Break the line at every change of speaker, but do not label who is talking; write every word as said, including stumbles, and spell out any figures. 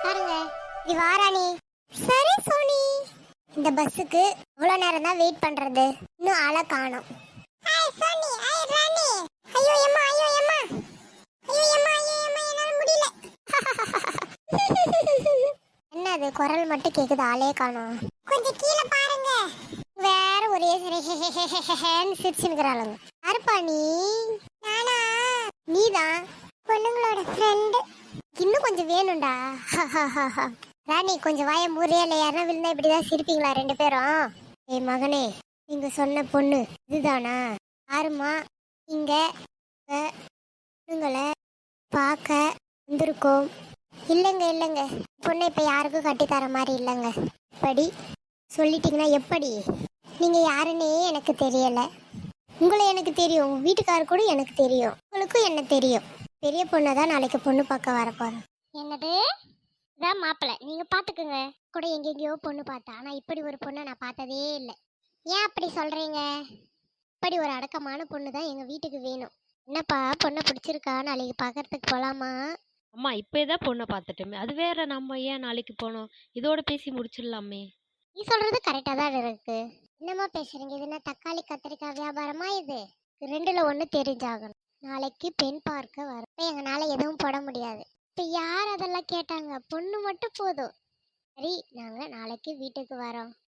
பாருங்க இது வாராணி. சரி சோனி. இந்த பஸ்ஸுக்கு இவ்வளவு நேரம் தான் வெயிட் பண்றது, இன்னும் ஆளை காணோம். Hi Soni, hi Rani. ஐயோ அம்மா, ஐயோ அம்மா, ஐயோ அம்மா, ஐயோ அம்மா, என்னால முடியல. என்னது குரல் மட்டும் கேக்குது, ஆளே காணோம். கொஞ்சம் கீழே பாருங்க. வேற ஒரே சிரிச்சுக்கிறாளுங்க. யாருப்பா நீ? நானா? நீதான் பொண்ணுங்களோட ஃப்ரெண்டு. இன்னும் கொஞ்சம் வேணும்டா. ராணி கொஞ்சம் வாய மூறியா இல்லை, யாரா விழுந்தா இப்படிதான் சிரிப்பீங்களா ரெண்டு பேரும்? ஏய் மகனே, நீங்க சொன்ன பொண்ணு இதுதானா? யாருமா இங்க பொண்ணுங்களை பார்க்க வந்திருக்கோம்? இல்லைங்க இல்லைங்க, பொண்ணை இப்போ யாருக்கும் கட்டித்தர மாதிரி இல்லைங்க. படி சொல்லிட்டீங்கன்னா எப்படி? நீங்க யாருன்னே எனக்கு தெரியல. உங்களை எனக்கு தெரியும், உங்க வீட்டுக்காரர் கூட எனக்கு தெரியும், உங்களுக்கும் என்ன தெரியும். பெரிய பொண்ணை தான் நாளைக்கு பொண்ணு பார்க்க வரப்போறோம். என்னது? இதான் மாப்பிள்ளை, நீங்க பாத்துக்குங்க. கூட எங்கெங்கயோ பொண்ணு பார்த்தா, ஆனா இப்படி ஒரு பொண்ணை நான் பார்த்ததே இல்லை. ஏன் அப்படி சொல்றீங்க? இப்படி ஒரு அடக்கமான பொண்ணு தான் எங்க வீட்டுக்கு வேணும். என்னப்பா பொண்ணை பிடிச்சிருக்கா? நாளைக்கு பார்க்கறதுக்கு போலாமா?
அம்மா இப்போதான் பொண்ணை பார்த்துட்டோமே, அது வேற. நம்ம ஏன் நாளைக்கு போனோம்? இதோட பேசி முடிச்சிடலாமே.
நீ சொல்றது கரெக்டா தான் இருக்கு. என்னமா பேசுறீங்க? இது என்ன தக்காளி கத்திரிக்காய் வியாபாரமா? இது ரெண்டுல ஒண்ணு தெரிஞ்சாகணும். நாளைக்கு பெண் பார்க்க வர எங்கனால எதுவும் போட முடியாது. இப்ப யார் அதெல்லாம் கேட்டாங்க? பொண்ணு மட்டும் போதும். சரி, நாங்க நாளைக்கு வீட்டுக்கு வரோம்.